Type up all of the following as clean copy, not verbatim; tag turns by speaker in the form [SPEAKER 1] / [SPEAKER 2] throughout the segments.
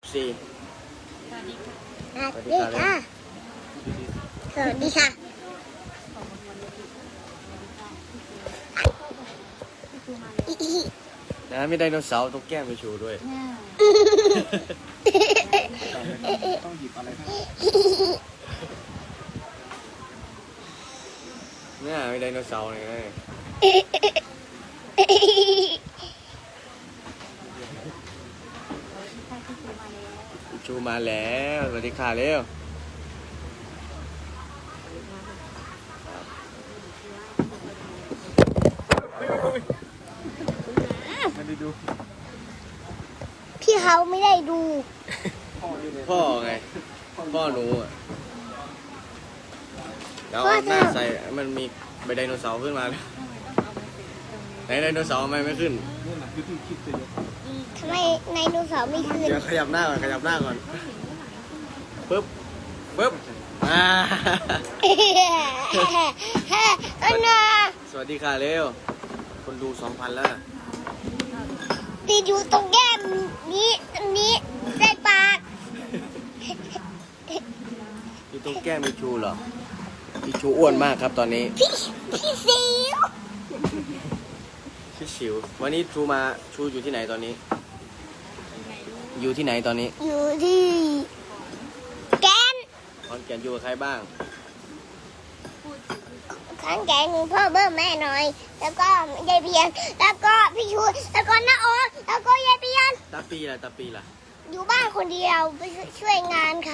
[SPEAKER 1] สี่
[SPEAKER 2] สวัสดีค่ะ
[SPEAKER 1] สวัสดีค่ะ
[SPEAKER 3] สวัสดีค่ะ
[SPEAKER 1] นะมีไดโนเสาร์ตรงแก้มไปชูด้วยต้องหยิบอะไรครับเนี่ยมีไดโนเสาร์เลยชูมาแล้วสวัสดีค่ะเร็วไม่ได้ดู
[SPEAKER 3] พี่เขาไม่ได้ดู
[SPEAKER 1] พ่อไงพ่อหนูอ่ะแล้วเอาหน้าใส่มันมีใบไดโนเสาร์ขึ้นมาเลยไหนไดโนเสาร์ทำไมไม่ขึ้น
[SPEAKER 3] ทำไมไดโนเสาร์ไม่ขึ้น
[SPEAKER 1] เดี๋ยวขยับหน้าก่อนขยับหน้าก่อนปึ๊บปึ๊บ
[SPEAKER 3] อันน่ะ
[SPEAKER 1] สวัสดีค่ะเร็วคนดู 2,000 แล้วนะ
[SPEAKER 3] ติดอยู่ตรงแก้มนี้อันนี้ใส่ปาก
[SPEAKER 1] อยู่ตรงแก้มมีชูเหรอมีชูอ้วนมากครับตอนนี้
[SPEAKER 3] พี่สิว
[SPEAKER 1] พี่ชิววันนี้ชูอยู่ที่ไหนตอนนี้ อยู่ที่ไหนตอนนี้
[SPEAKER 3] อยู่ที่แกน
[SPEAKER 1] ขอนแก่นอยู่กับใครบ้าง
[SPEAKER 3] ข้างแกนพ่อเบิ้มแม่หน่อย แล้วก็ยายเพียนแล้วก็พี่ชูแล้วก็น้าออสแล้วก็ยายเพียน
[SPEAKER 1] ตาปีล่ะ
[SPEAKER 3] อยู่บ้านคนเดียวไปช่วยงานเขา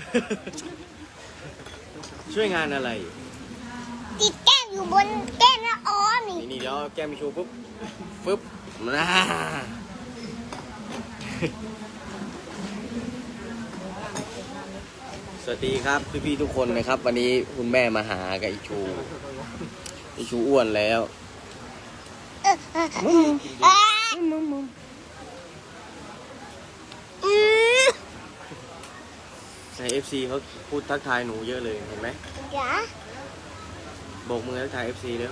[SPEAKER 1] ช่วยงานอะไร
[SPEAKER 3] ติดแก้มอยู่บนแก้มน้าออสนี่
[SPEAKER 1] นี่เดี๋ยวแก้มมีชูปุ๊บฟึบนะสวัสดีครับพี่ๆทุกคนนะครับ วันนี้คุณแม่มาหากับอีชูอ้วนแล้ว ใน FC เขาพูดทักทายหนูเยอะเลยเห็นไหม
[SPEAKER 3] จ๋า
[SPEAKER 1] โบกมือทักทาย FC เร็ว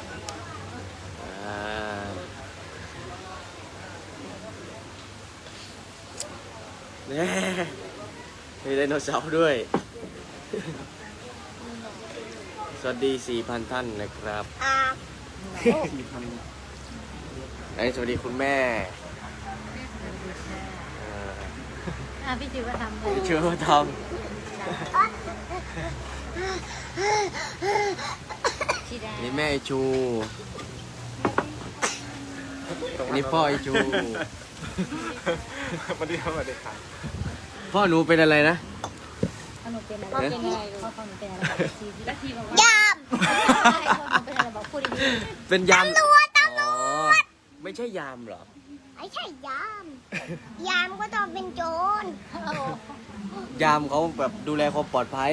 [SPEAKER 1] เนี่ยมีไดโนเสาร์ด้วย สวัสดี 4,000 ท่านนะครับสวัสดีคุณแม่
[SPEAKER 2] พี่จิ๋วก็ทำเลย
[SPEAKER 1] พี่เชื่อว่าทำนี่แม่ไอชูนี่พ่อไอชูมาดีครับพ่อหนูเป็นอะไรนะ
[SPEAKER 2] ขนมเป็นอะไรเป็นอะไรพ่อขนมเป็นอะไรแล้วทีบอกว่าย
[SPEAKER 3] าม
[SPEAKER 2] เป็นอะไรบอกพูดดี
[SPEAKER 1] เป็นยาม
[SPEAKER 3] ตำรวจ
[SPEAKER 1] ไม่ใช่ยามเหรอ
[SPEAKER 3] ไม่ใช่ยาม ยามก็ต้องเป็นโจร
[SPEAKER 1] ยามเขาแบบดูแลความปลอดภัย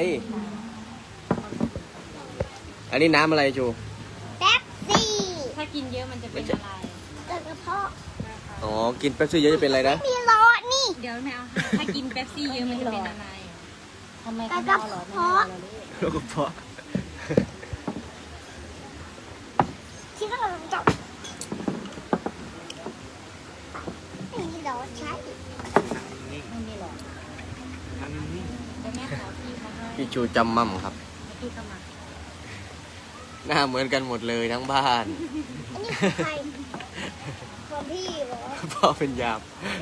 [SPEAKER 1] อันนี้น้ำอะไรชู
[SPEAKER 3] แป๊บซี่
[SPEAKER 2] ถ้ากินเยอะมันจะเป็นอะไร
[SPEAKER 3] กระเพาะ
[SPEAKER 1] อ๋อ กินเป๊ปซี่เยอะจะเป็นอะไรนะ
[SPEAKER 3] มีหลอดนี่
[SPEAKER 2] เดี๋ยวไม่เอาถ้ากินเป๊ปซี่เยอะมันจะเป็นอะไรทำไม
[SPEAKER 3] กระเพาะ
[SPEAKER 1] แล้วก็เพาะ
[SPEAKER 3] ที่เราจับไม่มีหลอดใช้
[SPEAKER 2] ไม่มีหรอกแต่แม่ขอพี่เขาให้
[SPEAKER 1] พี่ชูจำมั่มครับ
[SPEAKER 2] พี่เข้ามา
[SPEAKER 1] หน้าเหมือนกันหมดเลยทั้งบ้าน
[SPEAKER 3] อันนี้ใครของพี่เหรอ
[SPEAKER 1] พ่อเป็นยาม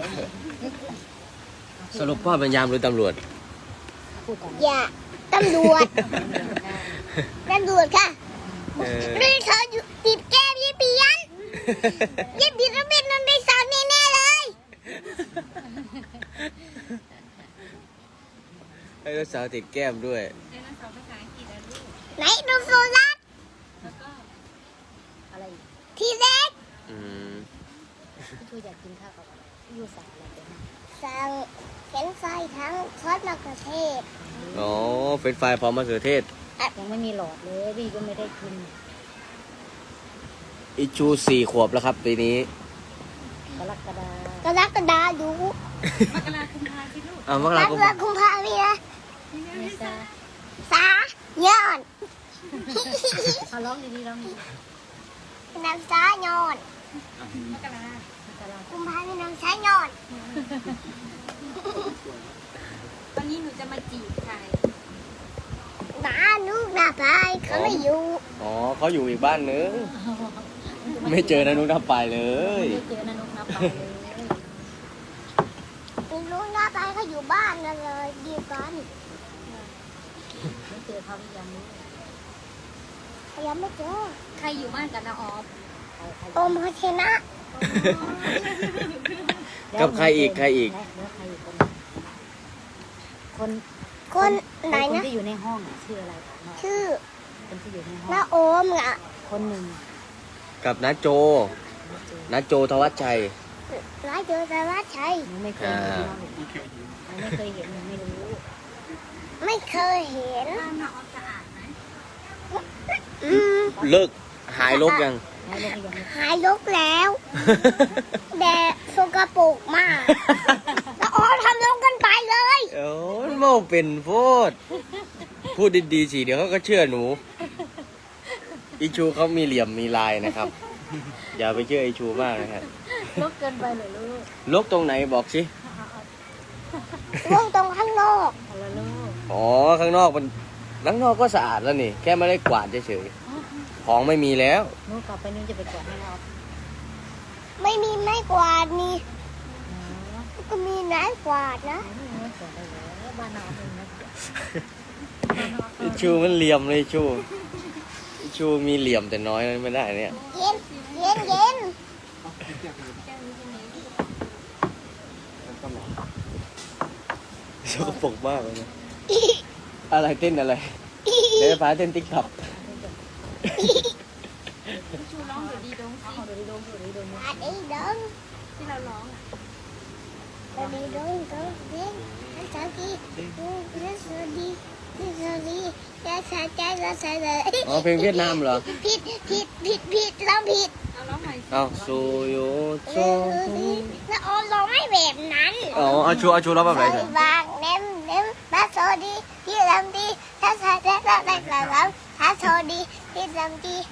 [SPEAKER 1] สรุปพ่อเป็นยามหรือตำรวจ
[SPEAKER 2] พูดก่อน
[SPEAKER 3] อย่าตำรวจตำรวจค่ะนี่เขาอยู่ติดแก้มยี่เปียนยี่เปียนต้องเป็นมันเป็นสาวแน่ๆเลย
[SPEAKER 1] ให้ลูกสาวติดแก้มด้วย
[SPEAKER 2] เรียนภาษาอังกฤษนะลูก
[SPEAKER 3] ไหนดูโซลัส
[SPEAKER 2] แล้วก็อะไรอีก
[SPEAKER 3] ทีเล็ก
[SPEAKER 1] อืม
[SPEAKER 2] พี่ชูอยากกินข้าวกับอะไรอยู่สายอะไรเป็น
[SPEAKER 3] สั่งเข็นไฟทั้งซอสมะเขือเทศ
[SPEAKER 1] อ๋อเฟรนช์ฟรายพร้อมมะเขือเทศ
[SPEAKER 2] ยังไม่มีหลอดเลยพี่ก็ไม่ได้กิน
[SPEAKER 1] อีชู4 ขวบแล้วครับปีนี้
[SPEAKER 2] กรกฎาก
[SPEAKER 3] รกฎาดู
[SPEAKER 2] มกราคมพาสิลูก
[SPEAKER 1] อ้าวมก
[SPEAKER 3] ม
[SPEAKER 1] ราก คม
[SPEAKER 3] ราคุมพามีนะ
[SPEAKER 2] เมษา
[SPEAKER 3] สาย้อน
[SPEAKER 2] เขาร้องดีๆร้องดี
[SPEAKER 3] น้ำสาย้อน
[SPEAKER 2] มกรา
[SPEAKER 3] คุมพามีน้ำสาย้อนอยู่
[SPEAKER 1] อ๋อเขาอยู่อีกบ้านนึง ไม่เจอนะนุ๊กนับไปเลย
[SPEAKER 2] ไม่เจอนะนุกนับไปเลย
[SPEAKER 3] ไม่รู้หน้าตายเขาอยู่บ้านนั่นเลยดีกัน
[SPEAKER 2] ไม่เจอเขาหรือยังลูก
[SPEAKER 3] ยังไม่เจอ
[SPEAKER 2] ใครอยู่บ้านกับน้าออฟ
[SPEAKER 3] โอมเขาชนะ
[SPEAKER 1] กับใครอีกใครอีก
[SPEAKER 2] แล้วใครอีกคน
[SPEAKER 3] คนไหน
[SPEAKER 2] คน
[SPEAKER 3] นะ
[SPEAKER 2] ที่อยู่ในห้องอะชื่ออะไรคะน้อง
[SPEAKER 3] ชื่อ
[SPEAKER 2] คนที่อยู่ในห้อง
[SPEAKER 3] น้าโอมอ่ะ
[SPEAKER 2] คนหนึ่ง
[SPEAKER 1] กับน้าโจน้าโจทวัชชัย
[SPEAKER 3] น้าเจอแต่ว่าชัย
[SPEAKER 2] หนูไม่เคยเห็นน้องหนูไม่เคยเห็นหนูไม่รู้
[SPEAKER 3] ไม่เคยเห็น
[SPEAKER 2] น้าออฟสะอาดไหม
[SPEAKER 3] อืม
[SPEAKER 1] เลิกหายลกยัง
[SPEAKER 2] แล้วลูกยังไม่
[SPEAKER 3] หายลกแล้วแต่สกปรกมากน้าโอมทำลงกันไปเลย
[SPEAKER 1] โอ้ยโมเป็นโพดพูดดีๆสิเดี๋ยวเขาก็เชื่อหนูอีชูเขามีเหลี่ยมมีลายนะครับ อย่าไปเชื่ออีชูมากนะครับ
[SPEAKER 2] ลกเกินไปเลยลูก
[SPEAKER 1] ลกตรงไหนบอกสิ
[SPEAKER 3] ลงตรงข้างนอก
[SPEAKER 2] เอาละลูก
[SPEAKER 1] อ๋อข้างนอกก็สะอาดแล้วนี่ แค่ไม่ได้กวาดเฉยๆของไม่มีแล้ว
[SPEAKER 2] หนูกลับไปนู้นจะไปกวาดให้น้าออฟ
[SPEAKER 3] ไม่มีไม้กวาดนี่
[SPEAKER 2] อ๋อ
[SPEAKER 3] ก็มีไม้กวาดนะ
[SPEAKER 2] ไม่กวาดได้เลยบ้านน้าออฟเองนะ
[SPEAKER 1] อีชูมันเหลี่ยมเลยอีชูมีเหลี่ยมแต่น้อยไม่ได้เนี่ย
[SPEAKER 3] เย็นเย็นเย็น
[SPEAKER 1] สกปรกมากเลยนะอะไรเต้นอะไรเดี๋ยวฟ้าเต้นติ๊กต็อก
[SPEAKER 2] ชูร้องเดี๋ยวดีดงสิเดี๋ยวดีดงเดี๋ยวดีดง
[SPEAKER 3] อาดีดง
[SPEAKER 2] ที่เราร้องอ่ะ
[SPEAKER 3] อาดีดงดงเย็นนักสาวดีดูนักสาวดีนักสาวดีนักสาวใจนักสาวเลย
[SPEAKER 1] อ๋อเพลงเวียดนามเหรอ
[SPEAKER 3] ผิดเราผิด
[SPEAKER 2] เอาร้องใหม่
[SPEAKER 1] เอาซูโยโซ
[SPEAKER 3] แล้วโอมร้องไม่แบบนั้น
[SPEAKER 1] อ๋อเอาชูร้องแบบไหน
[SPEAKER 3] ใส่
[SPEAKER 1] เถอะ
[SPEAKER 3] บางเน้มนักสาวดีพี่ลำดีถ้าสาวได้แล้วได้แล้วถ้าสาวดีพี่ลำดี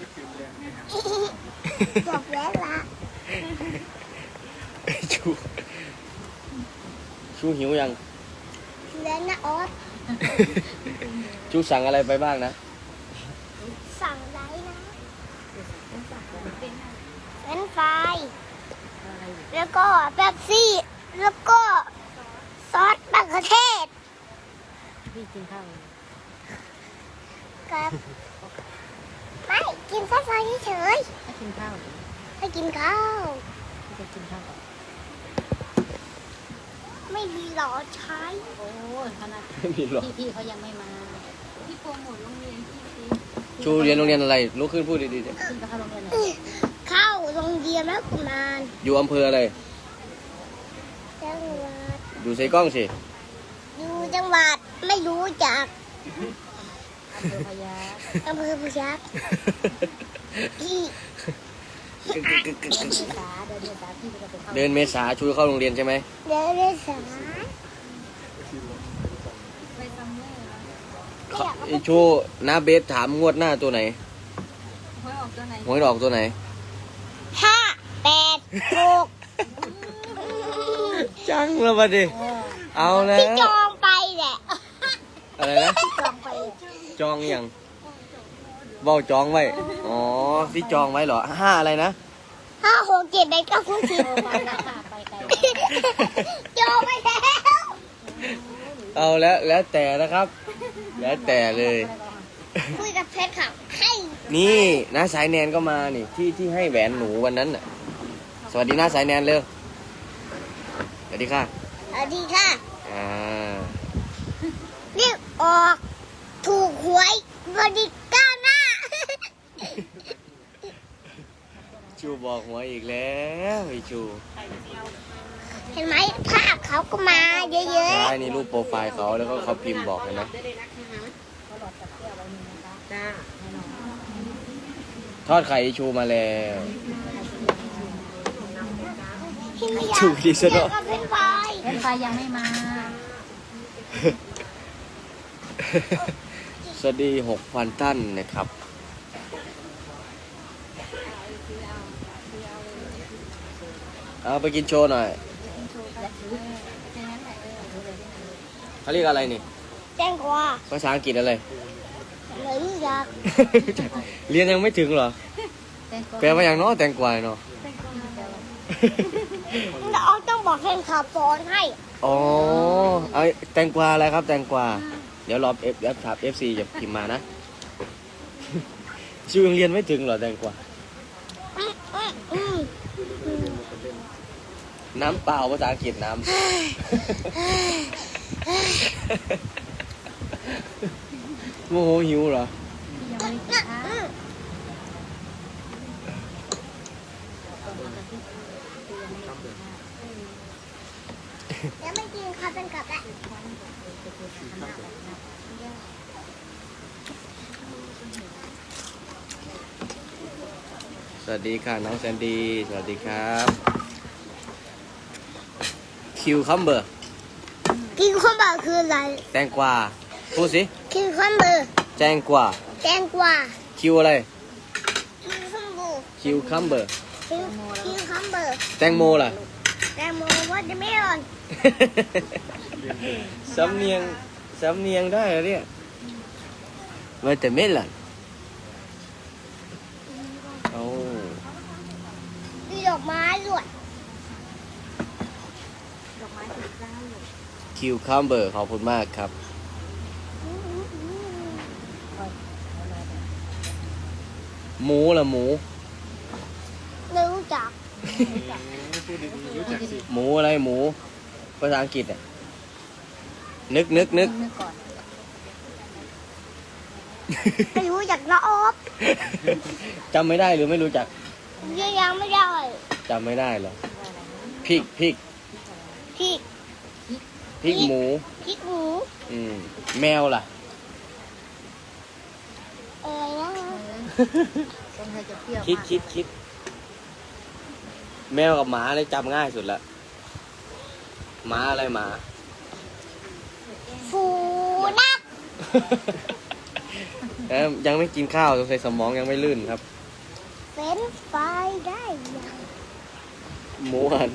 [SPEAKER 3] จบแล้วละ
[SPEAKER 1] ชูหิวยัง
[SPEAKER 3] เล่นนะโอ๊ต
[SPEAKER 1] ชูสั่งอะไรไปบ้างนะ
[SPEAKER 3] สั่งไรนะเป็นไฟแล้วก็เป๊ปซี่ แล้วก็ซอสมะเขือเทศ
[SPEAKER 2] พี่กินข้าว
[SPEAKER 3] กับไม่กินซอสเฉย
[SPEAKER 2] ถ้ากินข้าว
[SPEAKER 3] ๆให้กินข้าว
[SPEAKER 2] พี่จะกินข้าวก่อน
[SPEAKER 3] ไม่มีหรอใช้
[SPEAKER 2] โอ้ยขนาด
[SPEAKER 1] ไม่มีหรอก
[SPEAKER 2] พี่เขายังไม่มาพี่โปรโมทโรงเรียนพี่สิ
[SPEAKER 1] ชูเรียนโรงเรียนอะไรลุกขึ้นพูดดีๆดิ
[SPEAKER 2] ขึ้นไปเข้าโรงเรียนไหน
[SPEAKER 3] เข้าโรงเรียนแล้วกุมาร
[SPEAKER 1] อยู่อำเภออะไร
[SPEAKER 3] จังหวัด
[SPEAKER 1] อยู่ใส่กล้องสิ
[SPEAKER 3] อยู่จังหวัดไม่รู้จัก
[SPEAKER 2] อำเภอพญา
[SPEAKER 3] อำเภอพยัคฆ์พี่
[SPEAKER 2] เดินเมษาเดินเมษาพี่จะไปเข้า
[SPEAKER 1] เดินเมษาชูเข้าโรงเรียนใช่ไหม
[SPEAKER 3] เดินเล่นสาย
[SPEAKER 2] ไปซัมเมอร์
[SPEAKER 1] ไอชูน้าเบสถามงวดหน้าตัวไหน
[SPEAKER 2] หวยออกตัวไหน
[SPEAKER 1] หวยออกตัวไหน
[SPEAKER 3] 5 8 6
[SPEAKER 1] จังแล้วมาดิ เอาแล้
[SPEAKER 3] ที่
[SPEAKER 1] ว
[SPEAKER 3] จองไปแหละ
[SPEAKER 1] อะไรนะ
[SPEAKER 3] จองไป
[SPEAKER 1] จองยังเบ้าจองไว้ อ๋อที่จองไว้เหรอ5อะไรนะ
[SPEAKER 3] 5 6 7 8 9 10
[SPEAKER 2] ไปแล้วค่ะไปไกล
[SPEAKER 3] จองไปแล้ว
[SPEAKER 1] เอาแล้วแต่นะครับ แล้วแต่เลย
[SPEAKER 3] คุยกับเพชรค่ะให้
[SPEAKER 1] นี่น้าสายแนนก็มานี่ที่ให้แหวนหนูวันนั้นน่ะ สวัสดีน้าสายแนนเร็วสวัสดีค่ะ
[SPEAKER 3] สวัสดีค่ะ
[SPEAKER 1] อ่า
[SPEAKER 3] เรียกออกถูกหวยบริก้าวหน้า
[SPEAKER 1] ชูบอกหัวอีกแล้วไอชู
[SPEAKER 3] เห็นไหมภาพเขาก็มาเยอะ
[SPEAKER 1] ใช่นี่รูปโปรไฟล์เขาแล้วก็เขาพิมพ์บอกเลยนะ
[SPEAKER 2] เขาหลอดจับเสื้อไว้นี่นะคะจ้าแน่นอน
[SPEAKER 1] ทอดไข่ไอ้ชูมาแล้ว
[SPEAKER 3] ๆที่ไม่อยาก
[SPEAKER 1] ถูกดีซะ
[SPEAKER 3] เจ
[SPEAKER 1] ด้
[SPEAKER 3] อ
[SPEAKER 1] วย
[SPEAKER 3] กับเป็นไฟ
[SPEAKER 2] เล่นไฟยังไม่มา
[SPEAKER 1] สวัสดี 6,000 ท่านนะครับ เอาไปกินโชว์หน่อย เขาเรียกอะไรนี่
[SPEAKER 3] แจ้งกว่า
[SPEAKER 1] ภาษาอังกฤษอะไร
[SPEAKER 3] เหมือนจัก
[SPEAKER 1] เรียนยังไม่ถึงเหรอ
[SPEAKER 2] แตงกวา
[SPEAKER 1] แปลว่าอย่างเน้อแตงกวาเนาะ
[SPEAKER 2] แตงกวาแปลว่า
[SPEAKER 3] เราต้องบอกแฟนคลับสอนให้
[SPEAKER 1] อ๋อเอาแตงกวาอะไรครับแตงกวาเดี๋ยวรอFถาม FC จะพิมพ์มานะ ชื่อยังเรียนไม่ถึงเหรอแตงกวา น้ำเปล่าภาษาอังกฤษน้ำ โมโหหิวเหรอ
[SPEAKER 2] ที่ยังไม่ได้กินข้าว
[SPEAKER 3] ยังไม่กินค่ะเป็นกลับแล้ว
[SPEAKER 1] สวัสดีค่ะน้องแซนดี้สวัสดีครับคิวคัมเบอร์
[SPEAKER 3] กินข้าวเบอร์คืออะไร
[SPEAKER 1] แตงกวาพูดสิ
[SPEAKER 3] กินข้าวเบอร์
[SPEAKER 1] แตงกวา
[SPEAKER 3] แตงกวา
[SPEAKER 1] คิวอะไร
[SPEAKER 3] กินข้าวเบอร์
[SPEAKER 1] คิวคัมเบอร์
[SPEAKER 3] กินข้าวเบอร์
[SPEAKER 1] แตงโมล่ะ
[SPEAKER 3] แตงโมว่าจะไม่อ่อน
[SPEAKER 1] สำเนียงได้เหรอเนี่ยว่าแต่ไม่ล่ะโอ้
[SPEAKER 3] มีดอกไม้ด้วย
[SPEAKER 2] ดอกไม้สีฟ้าอยู่
[SPEAKER 1] คิวคัมเบอร์ขอบคุณมากครับ หมูล่ะหมู
[SPEAKER 3] ไม่รู้จัก
[SPEAKER 1] หมูอะไรหมูภาษาอังกฤษอ่ะนึก
[SPEAKER 2] นึกก่อน
[SPEAKER 3] ไม่รู้จักละออบ
[SPEAKER 1] จำไม่ได้หรือไม่รู้จัก
[SPEAKER 3] ยังไม่ได้
[SPEAKER 1] จำไม่ได้เหรอพริก
[SPEAKER 3] พริก
[SPEAKER 1] พริกหมู
[SPEAKER 3] พริกหมู
[SPEAKER 1] แมวล่ะ
[SPEAKER 3] อะไรนะ
[SPEAKER 2] คนไทยจะเปรี้ยว
[SPEAKER 1] คิดแมวกับหมาเลยจำง่ายสุดละหมาอะไรหมา
[SPEAKER 3] ฟูนัก
[SPEAKER 1] ยังไม่กินข้าวสงสัยสมองยังไม่ลื่นครับ
[SPEAKER 3] เฟรนช์ฟรายได้ยัง
[SPEAKER 1] หมูหัน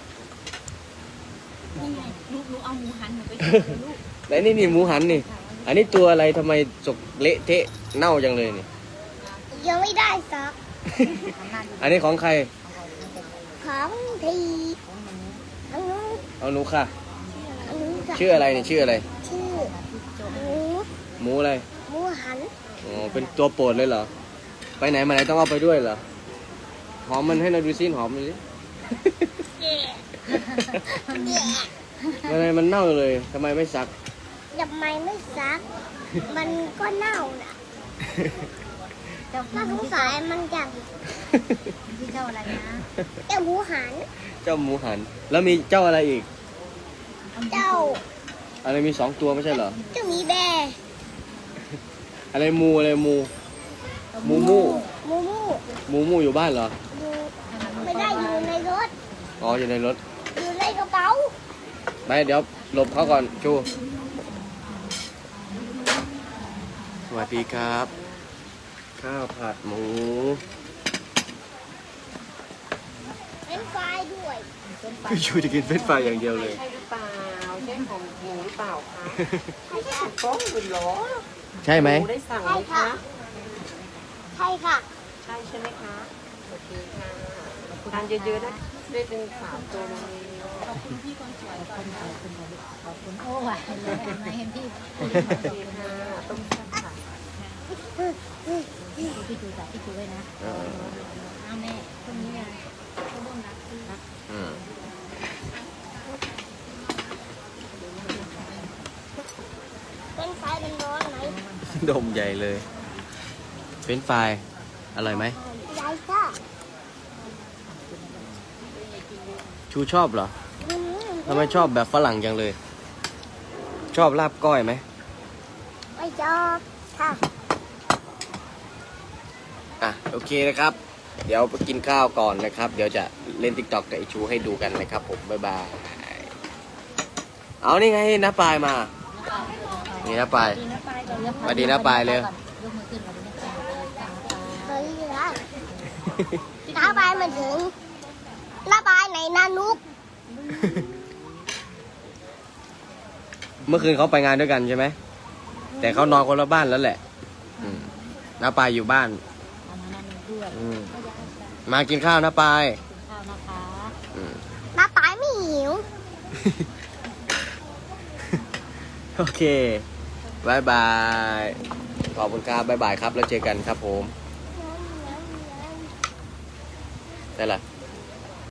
[SPEAKER 2] ลูกเอาหมูหันหนูไปลูก
[SPEAKER 1] แล้วนี่หมูหันนี่ อันนี้ตัวอะไรทำไมจกเละเทะเน่าจังเลยนี่
[SPEAKER 3] ยังไม่ได้สัก
[SPEAKER 1] อันนี้ของใคร
[SPEAKER 3] ของทีอันนู้น
[SPEAKER 1] เอาหนูค่ะ
[SPEAKER 3] อันนู้นกับ
[SPEAKER 1] ชื่ออะไรนี่ชื่ออะไร
[SPEAKER 3] ชื่อหมู
[SPEAKER 1] หมูอะไร
[SPEAKER 3] หมูหัน
[SPEAKER 1] อ๋อเป็นตัวโปรดเลยเหรอ ไปไหนมาไหนต้องเอาไปด้วยเหรอ หอมมันให้เราดูซิหอมมันสิ
[SPEAKER 3] แย่แย่
[SPEAKER 1] ทำไมมันเน่าเลยทำไมไม่ซัก
[SPEAKER 3] ทำไมไม่ซัก มันก็เน่าน่ะ
[SPEAKER 2] เจ้า
[SPEAKER 3] ถ้าสงสัยมันจะ
[SPEAKER 2] ที่เจ้าอะไรนะ
[SPEAKER 3] เจ้าหมูหัน
[SPEAKER 1] เจ้าหมูหัน แล้วมีเจ้าอะไรอีก
[SPEAKER 3] เจ้า
[SPEAKER 1] อะไรมี2 ตัวไม่ใช่เหรอ
[SPEAKER 3] เจ้าหมีแบร์
[SPEAKER 1] อะไรมูอะไรมู มูมู
[SPEAKER 3] มูมู
[SPEAKER 1] มูมูอยู่บ้านเหรอ
[SPEAKER 3] อยู่ไม่ได้อยู่ในรถ
[SPEAKER 1] อ๋ออยู่ในรถ
[SPEAKER 3] อยู่ในกระเป๋า
[SPEAKER 1] ไปเดี๋ยวหลบเขาก่อนชูสวัสดีครับ ข้าวผัดหมู
[SPEAKER 3] เป็นไฟด้วย
[SPEAKER 1] พี่ชูจะกินเฟรนช์ฟรายอย่างเดียวเลย
[SPEAKER 4] ใช่หรือเปล่าใช่ของหมูหรือเปล่าคะ
[SPEAKER 3] ใช่ค่ะ
[SPEAKER 4] ฟ้องคุณเหรอ
[SPEAKER 1] ใช่ไหม
[SPEAKER 4] หมูได้สั่งไหมคะ
[SPEAKER 3] ใช่ค่ะ
[SPEAKER 4] ใช่ใช่ไหมคะโอเคค่ะทานเยอะๆนะได้เป็น3 ตัวมาเลย
[SPEAKER 2] ขอบคุณโอ้หวานเลยมาเห็นพี่
[SPEAKER 4] โอเคค่ะต้มแซ่บค่ะ
[SPEAKER 2] พี่ดูจากพี่ดูด้วยนะเอาแม่ตรงนี้ไงเขาบ้วนรักพี่
[SPEAKER 1] อืม
[SPEAKER 3] เป็นไฟเป็นร้อนไหม
[SPEAKER 1] ดมใหญ่เลย เฟรนช์ฟรายอร่อยไหม
[SPEAKER 3] ยายค่ะ
[SPEAKER 1] ชูชอบเหรอ
[SPEAKER 3] อืม
[SPEAKER 1] ทำไมชอบแบบฝรั่งจังเลย ชอบลาบก้อยไหม
[SPEAKER 3] ไม่ชอบค่ะ
[SPEAKER 1] อ่ะโอเคนะครับ เดี๋ยวไปกินข้าวก่อนนะครับ เดี๋ยวจะเล่น TikTok กับไอชูให้ดูกันนะครับผม บ๊ายบาย เอานี่ไงน้าปลายมา นี่น้าปลาย
[SPEAKER 2] ดีนะปลายก่อน
[SPEAKER 1] สวัสดีนะปลายเร็ว
[SPEAKER 2] ยกมือขึ้นมาดูนะปลาย
[SPEAKER 3] เฮ้ยนะน้าบายมาถึงน้าบายไหนนานุก
[SPEAKER 1] เมื่อคืนเขาไปงานด้วยกันใช่ไหม แต่เขานอนคนละบ้านแล้วแหละ อืมน้าปายอยู่บ้าน
[SPEAKER 2] เอามานั่นด้วย
[SPEAKER 1] อืมมากินข้าวน้าปาย
[SPEAKER 2] กินข้าวนะคะ
[SPEAKER 1] อืม
[SPEAKER 3] น้าปายไม่หิว
[SPEAKER 1] โอเคบายบายขอบคุณครับบายบายครับแล้วเจอกันครับผมได้ละ